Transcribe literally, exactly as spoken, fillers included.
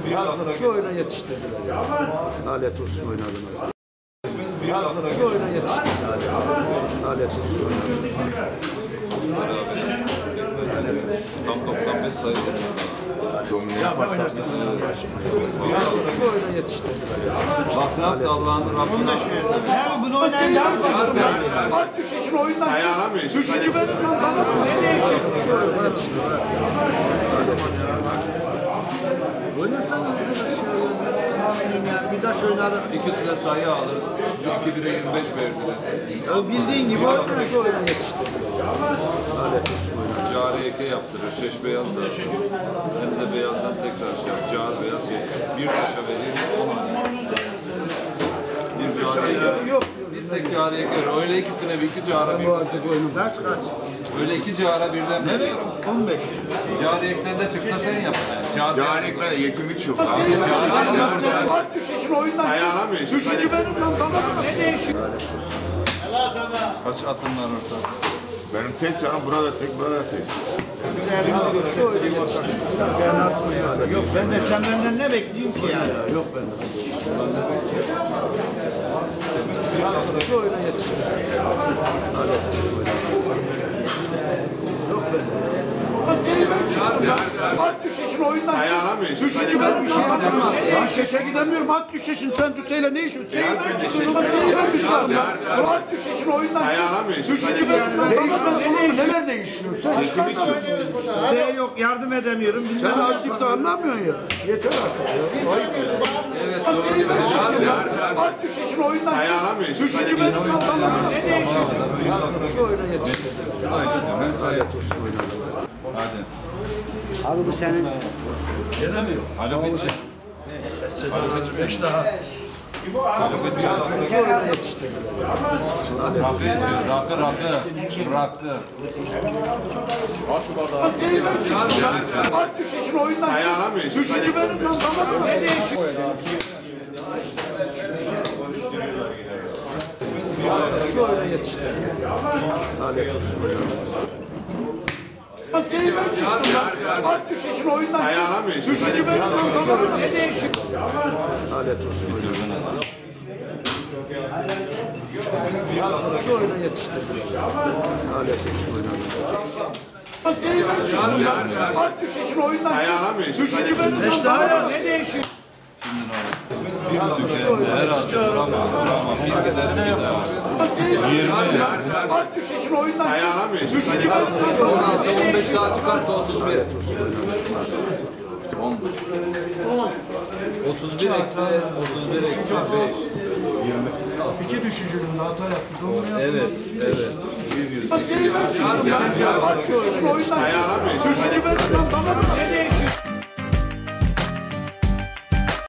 Yazları şu oyuna yetiştirdiler. Yani. Lanet olsun oynadınız. Yazları şu oyuna yetiştirdiler. Yani. Lanet olsun oynadınız. Tam doksan beş sayı. Ya bak oynarsan yazları şu oyuna yetiştirdiler. Yani. Bak ne yaptı Allah'ın Rabbine. Abi bunu oynayan Bak düşüşün oyundan çık. Düşücü benim lan bana. Ne değişiyor? Şu oyuna yetiştirdiler. Oynasana arkadaş ya. Yani bir taş oynadı. İkisi de sayı alır. iki bire yirmi beş verdiler. Ya bildiğin gibi olsun şu oyuna yetiştirdiler. Lanet olsun oyuna. Cari eke yaptırır. Şeş beyaz da. Hem de beyazdan tekrar şey yap. Cari beyaz şey. Bir taşa vereyim. Bir cari eke. Yok. Bir tek cari eke. Öyle ikisine bir iki cara birden. Kaç kaç? Öyle iki cara birden veriyorum. on beş. Cari eksende çıksa sen yapacaksın. Cari Yani ekmeğe yetim hiç yok. Bak düşüşün oyundan çık. Düşücü benim lan bana. Ne değişiyor? kaç atın var orada? Benim tek canım burada tek, burada tek. Şu oyuna yetiştirdiler. Sen nasıl oynuyorsun? Yok ben de sen benden ne bekliyorsun ki yani? Yok bende. Yazları şu oyuna yetiştirdiler. Lanet olsun oyuna. Yok bende. Bak düşüşün oyundan çık. Düşücü benim bir şey yapamam. Ben şeşe gidemiyorum. At düşüşün sen Tüseyle ne işin? Sen sen bir sor ya. At düşüşün oyundan çık. Düşücü benim. Değişmez olur. Neler değişiyor? Sen Size yok yardım edemiyorum. sen açlıkta anlamıyorsun ya. Yeter artık ya. Ayıp ya. Evet doğru. At düşüşün oyundan çık. Düşücü benim. Ne değişiyor? Yazları şu oyuna yetiştirdiler. Lanet olsun oyuna. Hadi. Abi bu senin. Alo bitti. Beş daha. Alo bitti. Şu oyuna yetiştirdiler. Rakı içiyor. Rakı rakı. Rakı. Bak düşüşün oyundan çık. Düşücü benim lan bana. Ne değişiyor? Yazları şu oyuna yetiştirdiler. Lanet olsun oyuna. Bak düşüşün oyundan çık. Düşücü benim lan bana. Ne değişiyor? Lanet olsun oyuna. Yazları şu oyuna yetiştirdiler. Lanet olsun oyuna. Bak düşüşün oyundan çık. Düşücü benim lan bana. Ne değişiyor? Yazları şu oyuna yetiştirdiler. Vuramam. Vuramam. Bir giderim giderim. Bak düşüşün oyundan çık. Düşücü benim lan bana. on beş daha çıkarsa otuz bir. on. otuz bir eksi otuz bir eksi beş. İki düşücülüğünde hata yaptı. Doğru Evet, evet. Bak düşüşün oyundan çık. Düşücü